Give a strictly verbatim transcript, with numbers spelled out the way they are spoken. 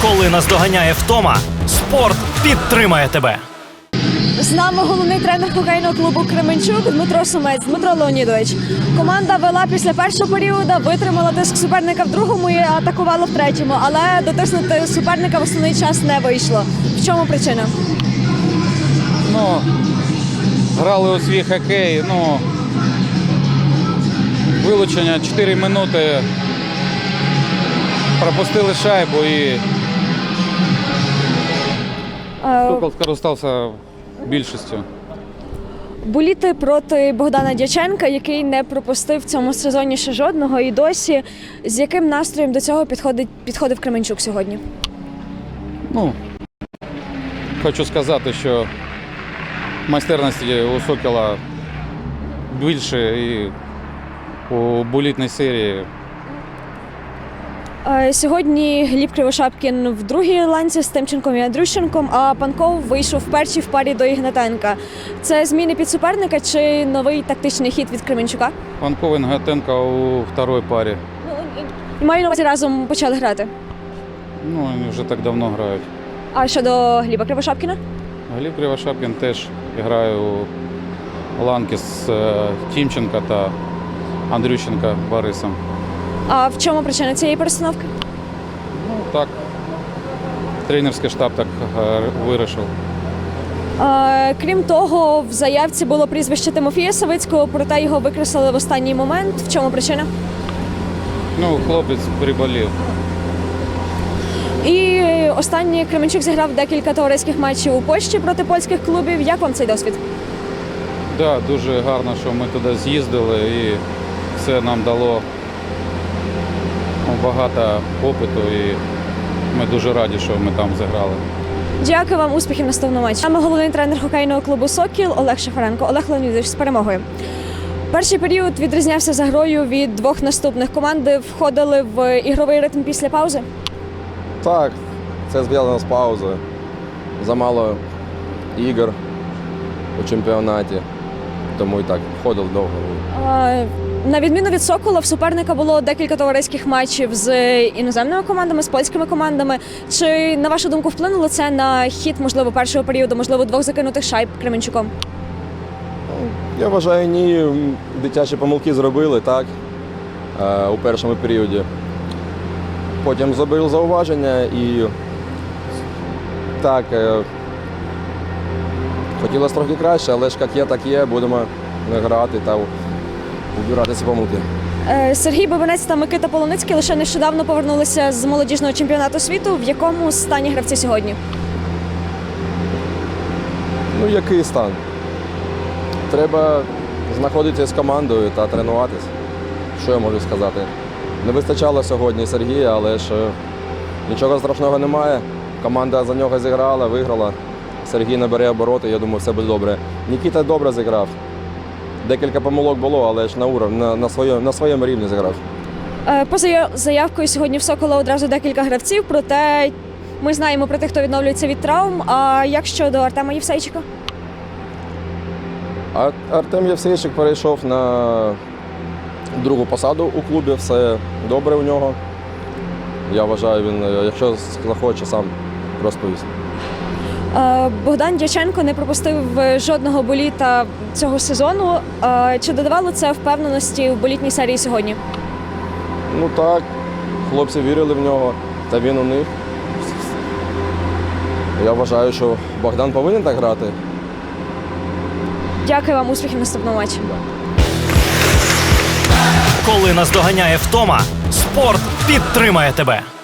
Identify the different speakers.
Speaker 1: Коли наздоганяє втома, спорт підтримає тебе.
Speaker 2: З нами головний тренер хокейного клубу «Кременчук» Дмитро Сумець. Дмитро Леонідович, команда вела після першого періоду, витримала тиск суперника в другому і атакувала в третьому, але дотиснути суперника в основний час не вийшло. В чому причина?
Speaker 3: Ну, грали у свій хокей, ну, вилучення чотири минути, пропустили шайбу і Сокол скористався більшістю.
Speaker 2: Боліти проти Богдана Дяченка, який не пропустив в цьому сезоні ще жодного і досі. З яким настроєм до цього підходить, підходив Кременчук сьогодні?
Speaker 3: Ну, хочу сказати, що майстерності у Сокола більше і у болітній серії.
Speaker 2: Сьогодні Гліб Кривошапкін в другій ланці з Тимченком і Андрющенком, а Панков вийшов в першій в парі до Ігнатенка. Це зміни під суперника чи новий тактичний хід від Кременчука?
Speaker 3: Панков і Ігнатенко у другій парі.
Speaker 2: І маю на увазі, разом почали грати.
Speaker 3: Ну, вони вже так давно грають.
Speaker 2: А щодо Гліба Кривошапкіна?
Speaker 3: Гліб Кривошапкін теж грає у ланки з Тимченка та Андрющенка Борисом.
Speaker 2: А в чому причина цієї перестановки?
Speaker 3: Ну, так, тренерський штаб так е, вирішив.
Speaker 2: А, крім того, в заявці було прізвище Тимофія Савицького, проте його викреслили в останній момент. В чому причина?
Speaker 3: Ну, хлопець приболів.
Speaker 2: І останній Кременчук зіграв декілька товариських матчів у Польщі проти польських клубів. Як вам цей досвід?
Speaker 3: Так, да, дуже гарно, що ми туди з'їздили і це нам дало багато опиту і ми дуже раді, що ми там зіграли.
Speaker 2: Дякую вам, успіхів наступного матчі. Саме головний тренер хокейного клубу «Сокіл» Олег Шафаренко. Олег Леонідович, з перемогою. Перший період відрізнявся за грою від двох наступних. Команди входили в ігровий ритм після паузи?
Speaker 4: Так, це зв'язано з паузою. Замало ігор у чемпіонаті, тому і так входив довго.
Speaker 2: А, на відміну від «Сокола», в суперника було декілька товариських матчів з іноземними командами, з польськими командами. Чи, на вашу думку, вплинуло це на хід, можливо, першого періоду, можливо, двох закинутих шайб Кременчуком?
Speaker 4: Я вважаю, ні, дитячі помилки зробили, так, у першому періоді. Потім зробив зауваження і так, хотілося трохи краще, але ж як є, так є, будемо грати та убирати ці помилки.
Speaker 2: Сергій Бабинець та Микита Полуницький лише нещодавно повернулися з молодіжного чемпіонату світу. В якому стані гравці сьогодні?
Speaker 4: Ну, який стан? Треба знаходитися з командою та тренуватися. Що я можу сказати? Не вистачало сьогодні Сергія, але ж нічого страшного немає. Команда за нього зіграла, виграла. Сергій набере обороти, я думаю, все буде добре. Нікіта добре зіграв. Декілька помилок було, але ж на уровні, на, на, своєму, на своєму рівні зіграв.
Speaker 2: Поза заявкою сьогодні в «Сокола» одразу декілька гравців, проте ми знаємо про тих, хто відновлюється від травм. А як щодо Артема Євсейчика?
Speaker 4: А Артем Євсейчик перейшов на другу посаду у клубі, все добре у нього. Я вважаю, він, якщо захоче, сам розповість.
Speaker 2: Богдан Дяченко не пропустив жодного боліта цього сезону. Чи додавало це впевненості в болітній серії сьогодні?
Speaker 4: Ну так, хлопці вірили в нього, та він у них. Я вважаю, що Богдан повинен так грати.
Speaker 2: Дякую вам, успіхів в наступному матчі.
Speaker 1: Коли наздоганяє втома, спорт підтримає тебе.